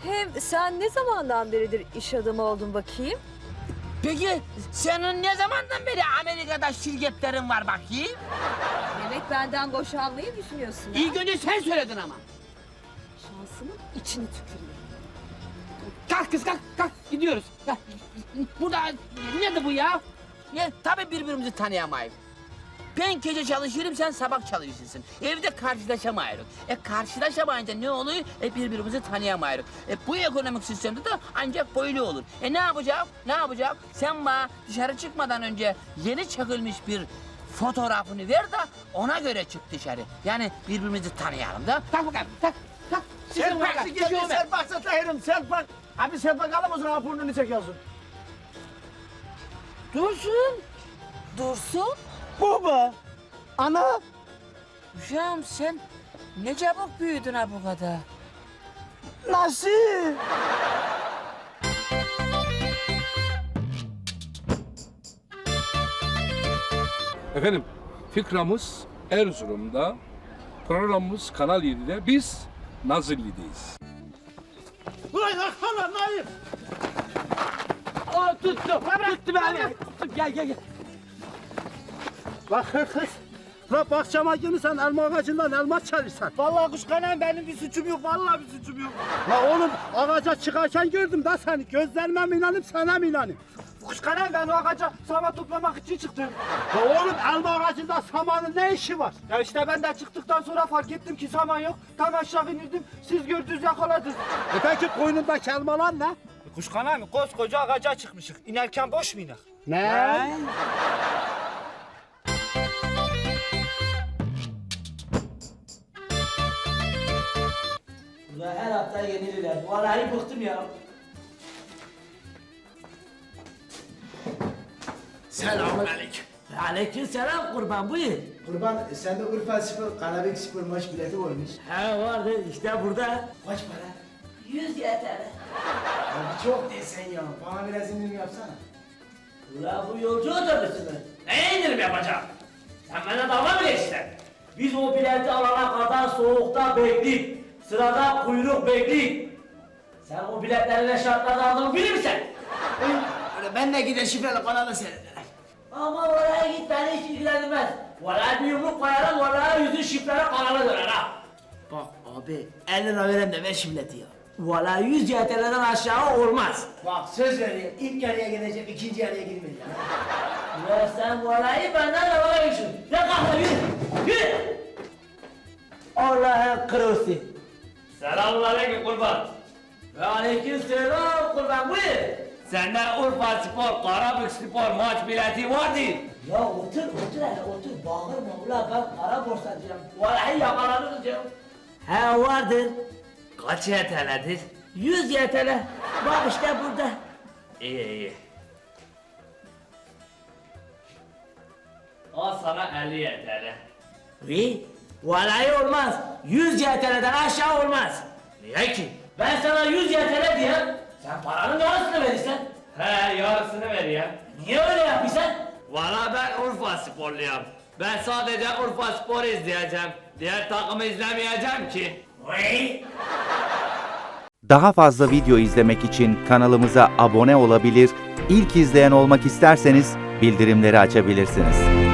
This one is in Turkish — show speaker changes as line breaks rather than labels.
Hem sen ne zamandan beridir iş adamı oldun bakayım?
Peki senin ne zamandan beri Amerika'da şirketlerin var bakayım?
Demek benden boşanmayı düşünüyorsun ha?
İlk önce sen söyledin ama.
Şansımın içini tükürüyor.
Kalk kız kalk gidiyoruz. Kalk. Burada nedir bu ya? Tabii birbirimizi tanıyamayız. Ben gece çalışıyorum, sen sabah çalışırsın. Evde karşılaşamayız. Karşılaşamayınca ne oluyor? Birbirimizi tanıyamayız. Bu ekonomik sistemde de ancak böyle olur. Ne yapacağım? Ne yapacağım? Sen bana dışarı çıkmadan önce yeni çekilmiş bir fotoğrafını ver de ona göre çık dışarı. Yani birbirimizi tanıyalım da. Kalk bakalım, kalk.
Selpak satayım, selpak. Abi selpak alır mısın? Ha burnunu çekiyorsun.
Dursun.
Dursun?
Baba. Ana.
Uşağım sen ne çabuk büyüdün ha bu kadar.
Nasıl?
Efendim, fikramız Erzurum'da, programımız Kanal 7'de, biz Nazilli'deyiz.
Ulan yakala Naim. Tuttu beni. Gel. Bak kız. La bahçama gelirsen elma ağacından elma çalırsan. Vallahi kuşkanayım benim bir suçum yok. Vallahi bir suçum yok. La oğlum ağaca çıkarken gördüm da seni. Gözlerime mi inanayım sana mı inanayım? Kuşkanayım ben o ağaca saman toplamak için çıktım. La oğlum elma ağacında samanın ne işi var? Ya işte ben de çıktıktan sonra fark ettim ki saman yok. Tam aşağı inirdim. Siz gördünüz yakaladınız. Peki koynundaki elmalar ne? Kuşkanayım koskoca ağaca çıkmışık. İnerken boş mu iner? Ne?
Ulan her hafta yenilirler. Vallahi bıktım ya.
Selamünaleyküm.
Aleykümselam kurban buyur.
Kurban sende Urfa Spor, Karabük Spor maç bileti varmış.
He vardı işte burada.
Kaç para?
100 yeter.
Abi çok desen ya. Bana biraz indirim yapsana.
Ulan bu yolcu otobüsü mü? Ne indirim yapacağım? Sen bana dalga mı geçtin? Biz o bileti alana kadar soğukta bekledik. Sırada kuyruk bekledik. Sen o biletleri ne şartlarda aldığını bilir misin?
Öyle ben de gider şifreli kanalı seyrederim.
Ama oraya git beni hiç ilgilendirmez. Vallahi bir yumruk koyarım, vallahi yüzün şifreli kanala döner ha.
Bak abi 50 lira verem de ver şu bileti ya.
Vallahi 100 YTL'den aşağı olmaz.
Bak söz veriyorum ilk yarıya gideceğim ikinci yarıya girmeyeceğim.
Ya sen vallahi benden de vazgeçin. Ya kalk yürü, yürü. Allah'ın kırılsı. Selamünaleyküm kurban. Ve aleykümselam kurban buyur.
Sende Urfa Spor, Karabük Spor maç bileti vardı.
Ya otur hele otur. Bağırma ulan ben kara borsacıyım. Vallahi yakalanırız ya. He vardır.
Kaç YTL'dir?
100 YTL. Bak işte burada.
İyi. Al sana 50 YTL.
Ve vallahi olmaz. 100 YTL'den aşağı olmaz.
Niye ki?
Ben sana 100 YTL diyeyim. Sen paranın yarısını verirsen.
He yarısını ver ya.
Niye öyle yapıyorsun?
Valla ben Urfa Sporluyum. Ben sadece Urfa Spor izleyeceğim. Diğer takımı izlemeyeceğim ki.
Vay.
Daha fazla video izlemek için kanalımıza abone olabilir, ilk izleyen olmak isterseniz bildirimleri açabilirsiniz.